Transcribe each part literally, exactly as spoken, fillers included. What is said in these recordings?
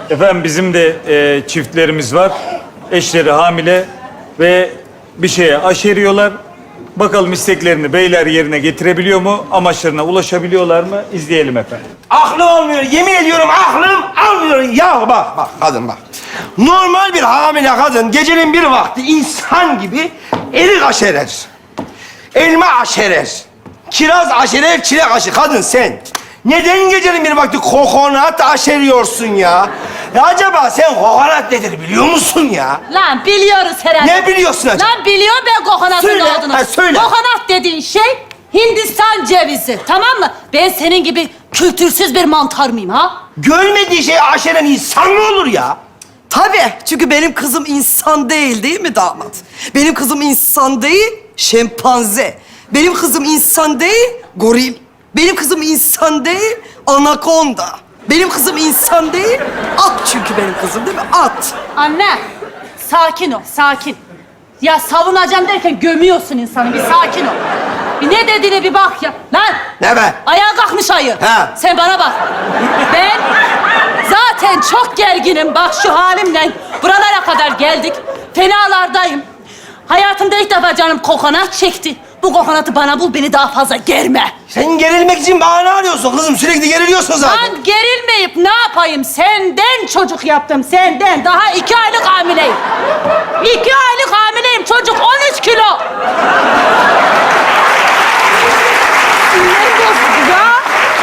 Efendim bizim de e, çiftlerimiz var. Eşleri hamile ve bir şeye aşeriyorlar. Bakalım isteklerini beyler yerine getirebiliyor mu? Amaçlarına ulaşabiliyorlar mı? İzleyelim efendim. Aklım almıyor. Yemin ediyorum aklım almıyor. Ya bak bak kadın bak. Normal bir hamile kadın gecenin bir vakti insan gibi erik aşerer. Elma aşerer. Kiraz aşerer, çilek aşerer. Kadın sen neden gecenin bir vakti kokonat aşeriyorsun ya? Ya acaba sen kokonat nedir biliyor musun ya? Lan biliyoruz herhalde. Ne biliyorsun acaba? Lan biliyorum ben kokonatın Söyle, ne olduğunu. ha, söyle. Kokonat dediğin şey Hindistan cevizi, tamam mı? Ben senin gibi kültürsüz bir mantar mıyım ha? Görmediği şeyi aşeren insan mı olur ya? Tabii. Çünkü benim kızım insan değil, değil mi damat? Benim kızım insan değil, şempanze. Benim kızım insan değil, goril. Benim kızım insan değil, anakonda. Benim kızım insan değil, at çünkü benim kızım değil mi? At. Anne, sakin ol, sakin. Ya savunacağım derken gömüyorsun insanı, bir sakin ol. Bir ne dediğine bir bak ya. Lan! Ne be? Ayağa kalkmış ayı. Ha. Sen bana bak. Ben zaten çok gerginim. Bak şu halimle buralara kadar geldik. Fenalardayım. Hayatımda ilk defa canım kokonat çekti. Bu kokonatı bana bul, beni daha fazla germe. Sen gerilmek için bahane arıyorsun kızım. Sürekli geriliyorsun zaten. Ben gerilmeyip ne yapayım? Senden çocuk yaptım, senden. Daha iki aylık hamileyim. İki aylık hamileyim. Çocuk on üç kilo. Sinirlerim bozuldu ya.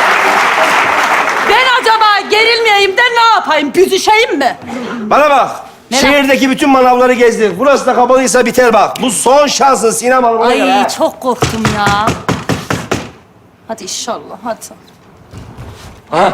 Ben acaba gerilmeyeyim de ne yapayım? Büzüşeyim mi? Bana bak. Ne Şehirdeki bütün manavları gezdik. Burası da kapalıysa biter bak. Bu son şansın Sinem Hanım'a Ay göre, ha. çok korktum ya. Hadi inşallah, hadi. Ha?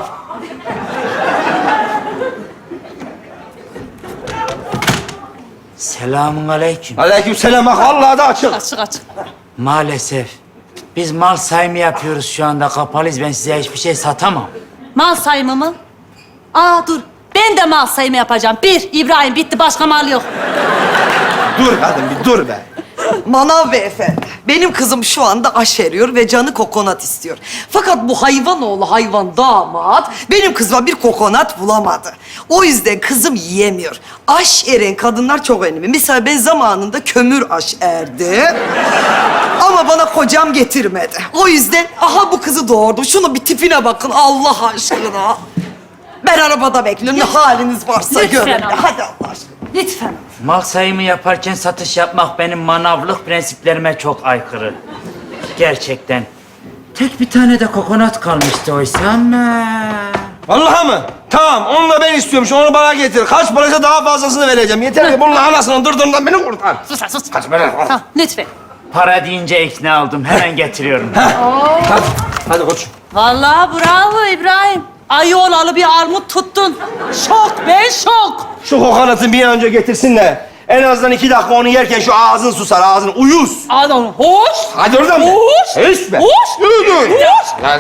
Selamun aleyküm. Aleykümselam. Bak vallahi da açık. Açık açık. Maalesef. Biz mal sayımı yapıyoruz şu anda. Kapalıyız. Ben size hiçbir şey satamam. Mal sayımı mı? Aa dur. Ben de mal sayımı yapacağım. Bir, İbrahim bitti. Başka mal yok. Dur kadın bir dur be. Manav beyefendi, benim kızım şu anda aşeriyor ve canı kokonat istiyor. Fakat bu hayvan oğlu hayvan damat benim kızıma bir kokonat bulamadı. O yüzden kızım yiyemiyor. Aş eren kadınlar çok önemli. Mesela ben zamanında kömür aş erdi. Ama bana kocam getirmedi. O yüzden aha bu kızı doğurdum. Şunu bir tipine bakın Allah aşkına. Ben arabada bekliyorum. Ne haliniz varsa Lütfen görün. ama. Hadi Allah aşkına. Lütfen. Mal sayımı yaparken satış yapmak benim manavlık prensiplerime çok aykırı. Gerçekten. Tek bir tane de kokonat kalmıştı oysa ama. Vallahi mı? Tamam, onu da ben istiyorum. Şu onu bana getir. Kaç paraysa daha fazlasını vereceğim. Yeter ki bunun anasının dırdırından beni kurtar. Sus lan, sus. Kaç para? Tamam, lütfen. Para deyince ikna oldum. Hemen getiriyorum. Hadi, hadi koç. Vallahi bravo İbrahim. Ayı olalı bir armut tuttun. Şok, ben şok. Şu kokonatı bir an önce getirsin de en azından iki dakika onu yerken şu ağzın susar, ağzın uyuz. Adam hoş. Hadi oradan be. Hoş. Hiç be. Hoş. Yürü. Hoş. Hadi.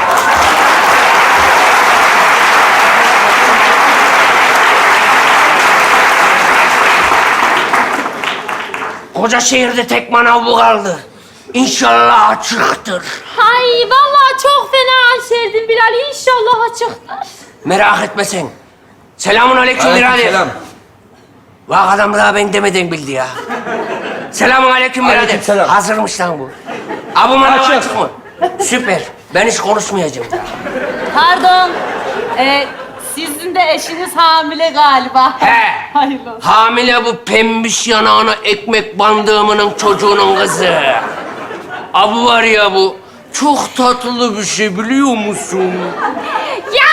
Koca şehirde tek manav bu kaldı. İnşallah açıktır. Ay vallahi çok fena aşerdin Bilal. İnşallah açıktır. Merak etme sen. Selamun aleyküm birader. Selam. Bak adam daha ben demeden bildi ya. Selamun aleyküm birader. Aleykümselam. Hazırmış lan bu. Abi manav Açık. açık mı? Süper. Ben hiç konuşmayacağım. Pardon. Ee, sizin de eşiniz hamile galiba. He. Hayırlı olsun. Hamile bu pembiş yanağına ekmek bandığımının çocuğunun kızı. Abi var ya bu. Çok tatlı bir şey biliyor musun? Ya!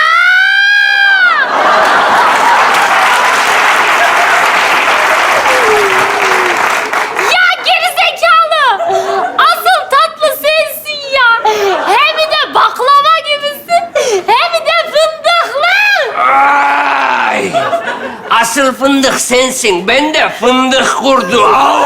Ya gerizekalı! Asıl tatlı sensin ya. Hem de baklava gibisin. Hem de fındıklı. Ay! Asıl fındık sensin. Ben de fındık kurdu. Au!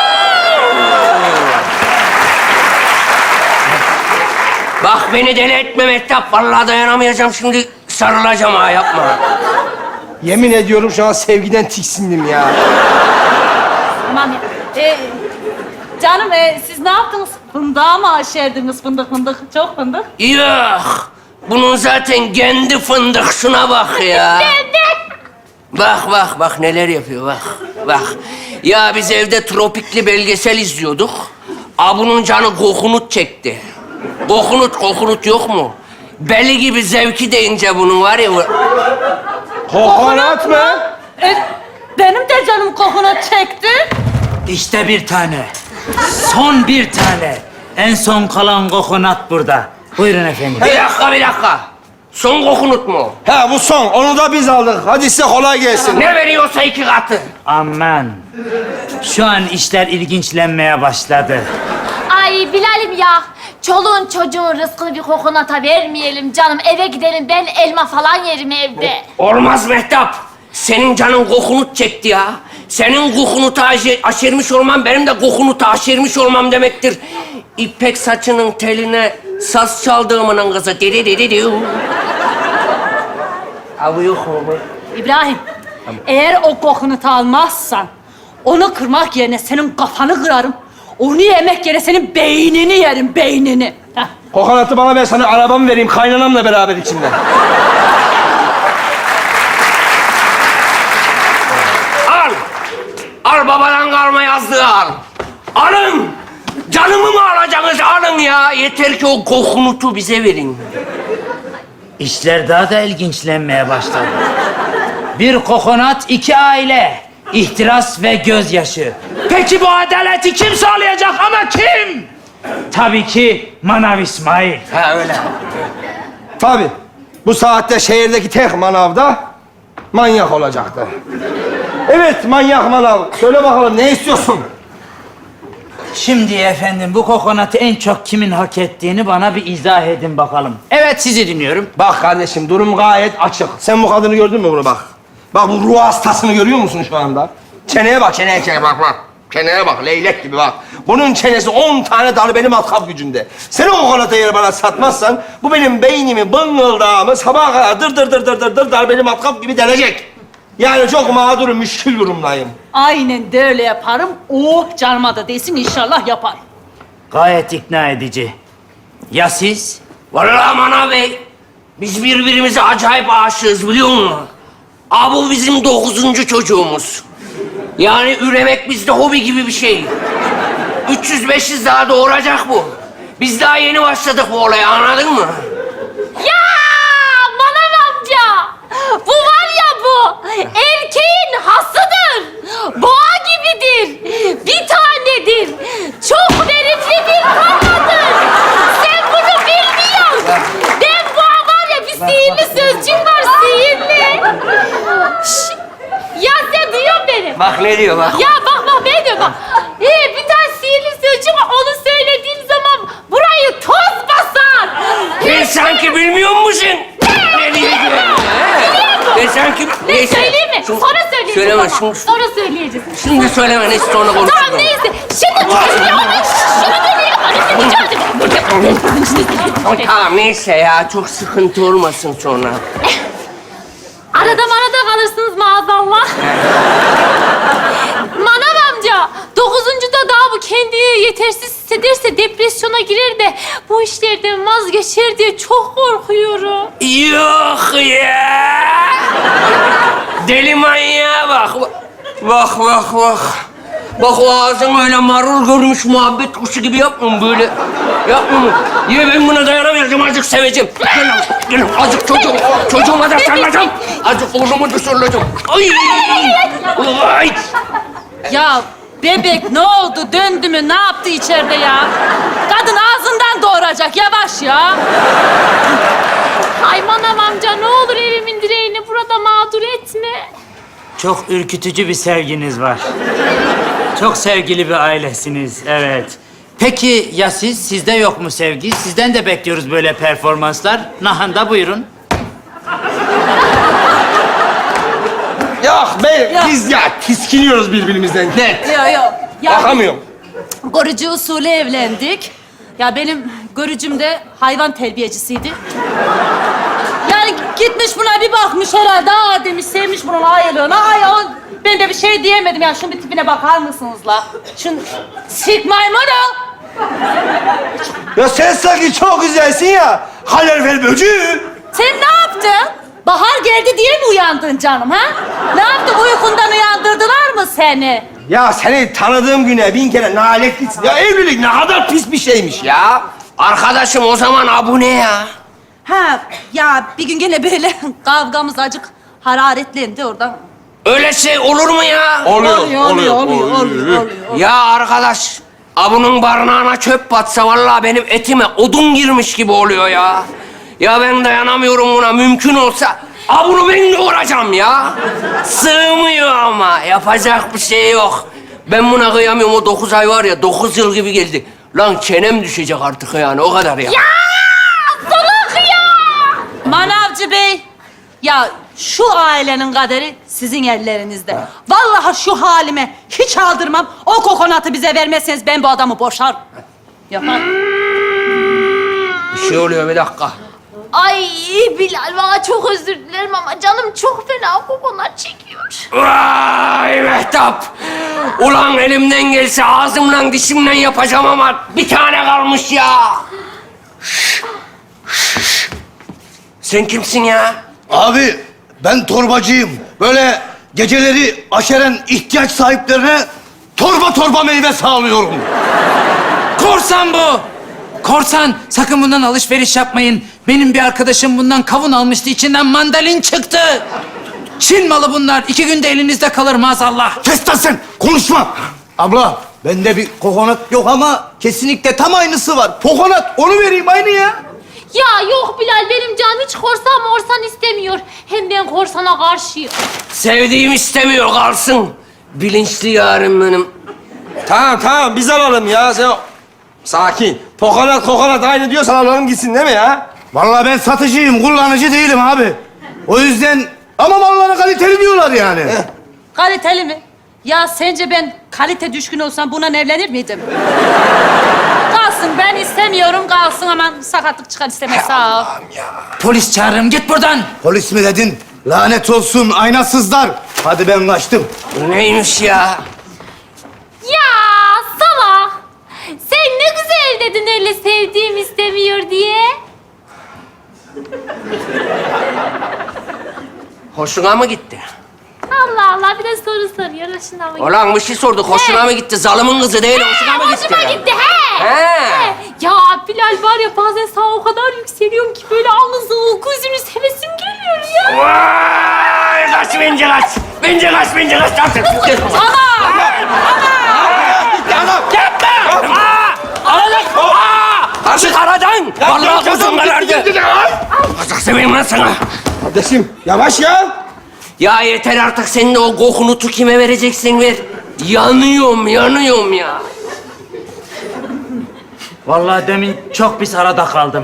Bak beni deli etme Mehtap. Vallahi dayanamayacağım şimdi. Sarılacağım ha yapma. Yemin ediyorum şu an sevgiden tiksindim ya. Tamam ya. Ee, canım e, siz ne yaptınız? Fındığa mı aşerdiniz fındık fındık? Çok fındık. Yok. Bunun zaten kendi fındık. Şuna bak ya. Ben de. Bak bak bak neler yapıyor bak. Bak. Ya biz evde tropikli belgesel izliyorduk. Abunun canı kokunut çekti. Kokunut kokunut yok mu? Beli gibi zevki deyince bunun var ya. Kokonat mı? E, benim de canım kokonat çekti. İşte bir tane. Son bir tane. En son kalan kokonat burada. Buyurun efendim. Bir dakika bir dakika. Son kokunut mu? Ha bu son. Onu da biz aldık. Hadi size kolay gelsin. Ne veriyorsa iki katı. Aman. Şu an işler ilginçlenmeye başladı. Ay Bilal'im ya. Çoluğun çocuğun rızkını bir kokonata vermeyelim canım. Eve gidelim, ben elma falan yerim evde. Olmaz Mehtap. Senin canın kokunut çekti ya. Senin kokunutu aşer, aşermiş olmam, benim de kokunutu aşermiş olmam demektir. İpek saçının teline saz çaldığımının kızı. Diri diri diri. Abi yok mu bu? İbrahim, eğer o kokonutu almazsan onu kırmak yerine senin kafanı kırarım. Onu yemek yerine senin beynini yerim, beynini. Heh. Kokonatı bana ver, sana arabamı vereyim. Kaynanamla beraber içinde. Al. Al babadan kalma yazdığı al. Alın. Canımı mı alacaksınız? Alın ya. Yeter ki o kokunutu bize verin. İşler daha da ilginçlenmeye başladı. Bir kokonat, iki aile. İhtiras ve gözyaşı. Peki bu adaleti kim sağlayacak ama kim? Tabii ki Manav İsmail. Ha öyle. Tabii. Bu saatte şehirdeki tek manavda manyak olacaktı. Evet, manyak manav. Söyle bakalım, ne istiyorsun? Şimdi efendim bu kokonatı en çok kimin hak ettiğini bana bir izah edin bakalım. Evet, sizi dinliyorum. Bak kardeşim, durum gayet açık. Sen bu kadını gördün mü bunu bak? Bak bu ruh hastasını görüyor musun şu anda? Çeneye bak, çeneye, çeneye bak bak. Çeneye bak, leylek gibi bak. Bunun çenesi on tane darbeli matkap gücünde. Sen o kokonatı eğer bana satmazsan, bu benim beynimi, bıngıldağımı sabaha kadar dır dır dır dır dır dır darbeli matkap gibi delecek. Yani çok mağdurum, müşkül durumdayım. Aynen de öyle yaparım. Oh canıma da değsin, inşallah yapar. Gayet ikna edici. Ya siz? Vallahi Manav Bey, biz birbirimize acayip aşığız biliyor musun? Aa, bu bizim dokuzuncu çocuğumuz. Yani üremek bizde hobi gibi bir şey. üç yüz beş yüz daha doğuracak bu. Biz daha yeni başladık bu olaya, anladın mı? Ya Manav amca. Bu var ya bu. Erkeğin hasıdır. Boğa gibidir. Bir tanedir. Çok verimli bir kafadır. Sen bunu bilmiyorsun. Ben boğa var ya, bir sihirli sözcüğüm var, sihirli. Şş, ya sen duyuyor musun beni? Bak ne diyor bak. Ya bak bak ne diyor bak. Ee, bir tane sihirli sözcük var. Onu söylediğim zaman burayı toz basar. Sen sanki bilmiyor musun? Ne diyeceğim? Ben sanki... Ne Neyse. söyleyeyim mi? Şunu- Sonra söyleyeceğiz Söyleme ama. şunu. Sonra söyleyeceğiz. Şimdi söyleme, neyse sonra konuşuruz. Tamam neyse. Şimdi şimdi onu şunu söyleyeyim. Hadi Tamam neyse ya, çok sıkıntı olmasın sonra. Arada marada kalırsınız maazallah. Manav amca, dokuzuncuda daha bu kendini yetersiz hissederse depresyona girer de bu işlerden vazgeçer diye çok korkuyorum. Yok ya! Deli manyağa bak. Bak bak bak. Bak o ağzın öyle marul görmüş muhabbet kuşu gibi yapma mı böyle? Yapma mı? Ya ben buna dayanamayacağım, azıcık seveceğim. Gelin, gelin azıcık çocuğum. Çocuğuma da sarılacağım. Azıcık oğlumu da sarılacağım. Ay! Ay! Ya bebek ne oldu? Döndü mü? Ne yaptı içeride ya? Kadın ağzından doğuracak. Yavaş ya. Ay Manav amca, ne olur evimin direğini burada mağdur etme. Çok ürkütücü bir sevginiz var. Çok sevgili bir ailesiniz, evet. Peki ya siz? Sizde yok mu sevgi? Sizden de bekliyoruz böyle performanslar. Nahanda buyurun. Yok be, Ya. biz ya tiskiniyoruz birbirimizden. Net. Yok yok. Ya Bakamıyorum. görücü usulü evlendik. Ya benim görücüm de hayvan terbiyecisiydi. Yani gitmiş buna bir bakmış herhalde. Aa demiş, sevmiş bunun aylığına. Ay o, ben de bir şey diyemedim ya. Şunun bir tipine bakar mısınız la? Şun sik maymunu. Ya sen sanki çok güzelsin ya. Kalorifer böcüğü. Sen ne yaptın? Bahar geldi diye mi uyandın canım ha? Ne yaptı, uykundan uyandırdılar mı seni? Ya seni tanıdığım güne bin kere naletlisin. Ya evlilik ne kadar pis bir şeymiş ya. Ya arkadaşım o zaman abu ne ya? Ha ya bir gün gene böyle kavgamız acık hararetlendi oradan. Öyle şey olur mu ya? Oluyor, oluyor, oluyor, oluyor, oluyor. Ya arkadaş, abunun barınağına çöp batsa vallahi benim etime odun girmiş gibi oluyor ya. Ya ben dayanamıyorum buna. Mümkün olsa abunu ben doğuracağım ya. Sığmıyor ama. Yapacak bir şey yok. Ben buna kıyamıyorum. O dokuz ay var ya, dokuz yıl gibi geldi. Lan çenem düşecek artık yani. O kadar ya. Salak ya! Manavcı Bey, ya şu ailenin kaderi sizin ellerinizde. Vallahi şu halime hiç aldırmam. O kokonatı bize vermezseniz ben bu adamı boşarım. Yapar. Bir şey oluyor, bir dakika. Ay Bilal, bana çok özür dilerim ama canım çok fena kokonat çekiyor. Vay Mehtap! Ulan elimden gelse ağzımla dişimle yapacağım ama bir tane kalmış ya. Sen kimsin ya? Abi ben torbacıyım. Böyle geceleri aşeren ihtiyaç sahiplerine torba torba meyve sağlıyorum. Korsan bu. Korsan. Sakın bundan alışveriş yapmayın. Benim bir arkadaşım bundan kavun almıştı. İçinden mandalin çıktı. Çin malı bunlar. İki günde elinizde kalır maazallah. Kes lan sen, konuşma. Abla, bende bir kokonat yok ama kesinlikle tam aynısı var. Kokonat, onu vereyim aynı ya. Ya yok Bilal, benim canım hiç korsan morsan istemiyor. Hem ben korsana karşıyım. Sevdiğim istemiyor, kalsın. Bilinçli yarim benim. Tamam tamam biz alalım ya. Sen... Sakin. Kokonat kokonat aynı diyorsan alalım gitsin değil mi ya? Vallahi ben satıcıyım, kullanıcı değilim abi. O yüzden ama mallara kaliteli diyorlar yani. Kaliteli mi? Ya sence ben kalite düşkün olsam bununla evlenir miydim? Kalsın, ben istemiyorum, kalsın, aman sakatlık çıkar istemez, sağ ol. Polis çağırırım. Git buradan. Polis mi dedin? Lanet olsun aynasızlar. Hadi ben kaçtım. Neymiş ya? Ya salak! Sen ne güzel dedin öyle sevdiğim istemiyor diye. Hoşuna mı gitti? Allah Allah, bir de soru soruyor. Hoşuna mı gitti? Ulan bir şey sorduk. Hoşuna mı gitti? Zalımın kızı değil, hoşuna mı gitti? Hoşuma gitti, he! He. Ya Bilal var ya, bazen sana o kadar yükseliyorum ki böyle alnınızı, gözünü sevesim geliyor ya. Vay! Kaç binci kaç! Binci kaç, binci kaç! Ana! Yapma! Aa! Ağlık! Aa! Açık aradan! Vallahi kuzum karardı. Azak seveyim lan sana. Kardeşim yavaş ya. Ya yeter artık, senin de o kokunutu kime vereceksin ver. Yanıyorum, yanıyorum ya. Vallahi demin çok pis arada kaldım.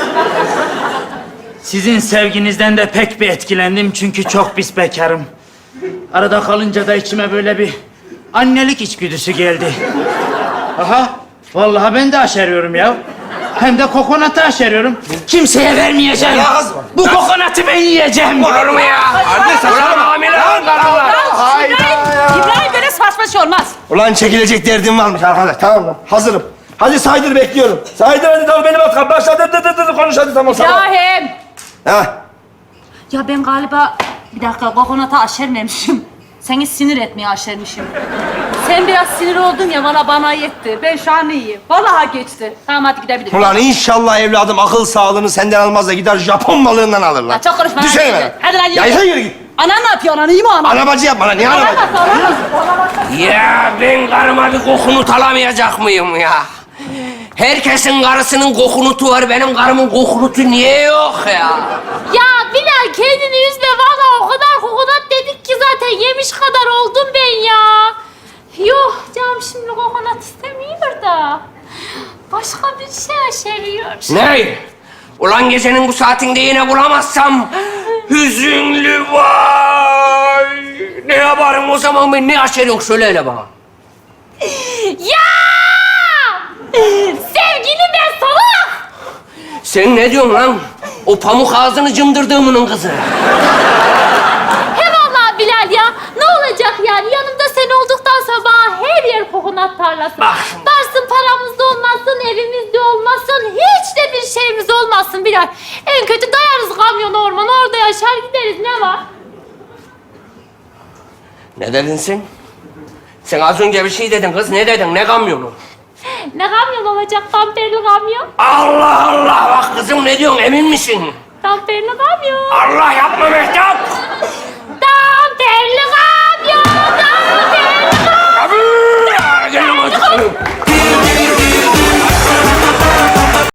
Sizin sevginizden de pek bir etkilendim çünkü çok pis bekarım. Arada kalınca da içime böyle bir annelik içgüdüsü geldi. Aha, vallahi ben de aşeriyorum ya. Hem de kokonatı aşeriyorum. Kimseye vermeyeceğim. Ya kız- Bu kokonatı ben yiyeceğim. Olur mu ya? Anne sen Ulan hamile lan karılar. İbrahim, İbrahim böyle saçma şey olmaz. Ulan çekilecek derdim varmış arkadaş. Tamam lan hazırım. Hadi saydır bekliyorum. Saydır hadi tamam benim at. Başla dır dır dır dır konuş hadi tamam tamam. İbrahim! Ha. Ya ben galiba bir dakika kokonata aşermemişim. Seni sinir etmeye aşermişim. Sen biraz sinir oldun ya, bana bana yetti. Ben şu an iyiyim. Vallahi geçti. Tamam, hadi gidebilirim. Ulan inşallah evladım akıl sağlığını senden almaz da gider Japon balığından alır lan. Ya çok konuşma. Düşene hadi. ben. Hadi lan yürü. Ya sen yürü git. Anan ne yapıyor? Anan iyi mi anan? Arabacı yapma lan. Niye Anan arabacı? nasıl? Anan nasıl? Ya ben karıma bir kokunut alamayacak mıyım ya? Herkesin karısının kokunutu var, benim karımın kokunutu niye yok ya? Ya Bilal, kendini üzme. Vallahi o kadar kokonat dedik ki zaten yemiş kadar oldum ben ya. Yok canım, şimdi kokonat istemiyor da. Başka bir şey aşeriyor. Ne? Ulan gecenin bu saatinde yine bulamazsam hüzünlü vay. Ne yaparım o zaman, ben ne aşeriyorum söyle hele bana. Ya! Sevgilim ben salak! Sen ne diyorsun lan? O pamuk ağzını cımdırdığımının kızı. He vallahi Bilal ya, ne olacak yani? Yanımda sen olduktan sonra bana her yer kokonat tarlası. Bak. Varsın paramız da olmasın, evimiz de olmasın, hiç de bir şeyimiz olmasın Bilal. En kötü dayarız kamyonu ormana, orada yaşar gideriz. Ne dedin sen? Sen az önce bir şey dedin kız. Ne dedin? Ne kamyonu? Ne kamyon olacak? Damperli kamyon. Allah Allah! Bak kızım ne diyorsun? Emin misin? Damperli kamyon. Allah yapma Mehtap!